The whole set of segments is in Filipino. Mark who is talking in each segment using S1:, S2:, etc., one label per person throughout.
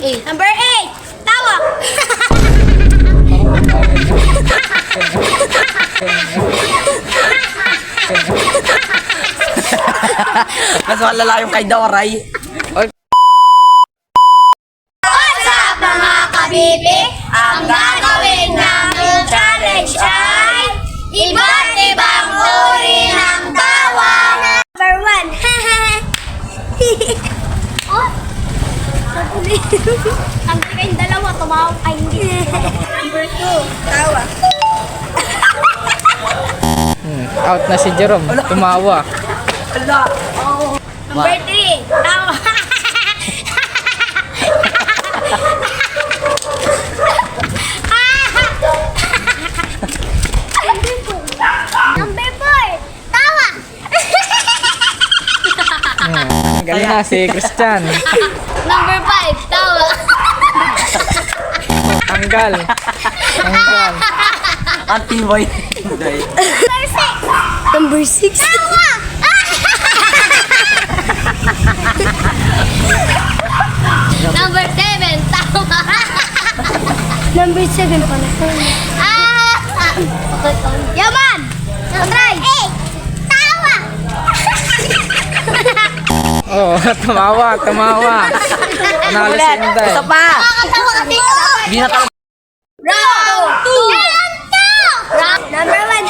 S1: Number 8, tawa.
S2: Mas malala yung kay Doray.
S1: What's up mga kabibi? Ang gagawin namin challenge ay iba't ibang uri ng tawa. Number 1. Oh. Ang kayong dalawa, tumawag ay hindi. Number 2, tawa.
S3: Out na si Jerome. Tumawa.
S1: Number 3, tawa. Number 4, tawa.
S3: Galing na si Christian.
S1: Number 5, tawa.
S3: Tanggal. Tanggal.
S2: Anti-boy.
S1: Number 6, tawa. Number 7, tawa. Number 7 pala. Yaman! Try! 8, tawa!
S3: Oh, tumawa, tumawa. Panalo si Inday.
S2: Isa pa!
S1: Nakakatawa kasi.
S2: Hindi na tayo.
S1: Round 2! Number 1.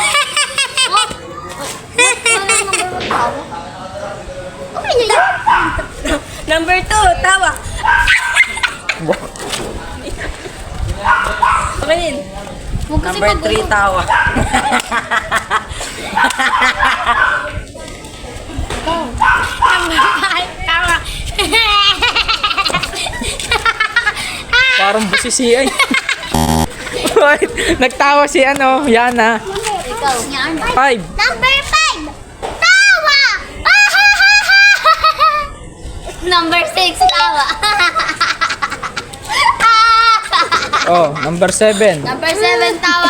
S1: Okay na yun. Number 2, tawa. Okay din.
S2: Number 3, tawa.
S1: Number 5, tawa.
S3: Parang busi si ay. Wait, nagtawa si Yana.
S1: Ikaw.
S3: 5.
S1: Number 5, tawa. Number 6, tawa.
S3: Oh, number 7.
S1: Number 7, tawa.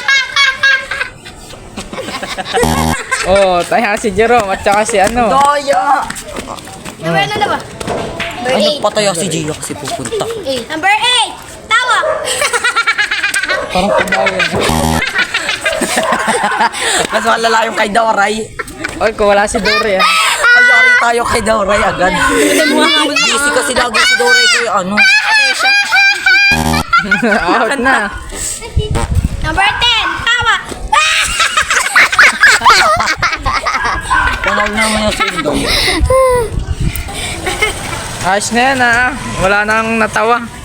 S3: Oh, tayo si Jerome at saka si
S2: Doya!
S1: Number ano na ba? Number
S2: Ay,
S1: 8.
S2: nagpatayo si Gio kasi pupunta.
S1: Number 8, tawa.
S3: Parang kumain.
S2: Mas malala yung kay Doray.
S3: Oy, kung wala si Dory ah.
S2: Ay, sorry tayo kay Doray agad. Busy kasi lagi si Doray kay ano.
S3: Out na.
S1: Number 10, tawa.
S2: Panalo naman yung si Inday.
S3: Ayos na yan ah. Wala nang natawa.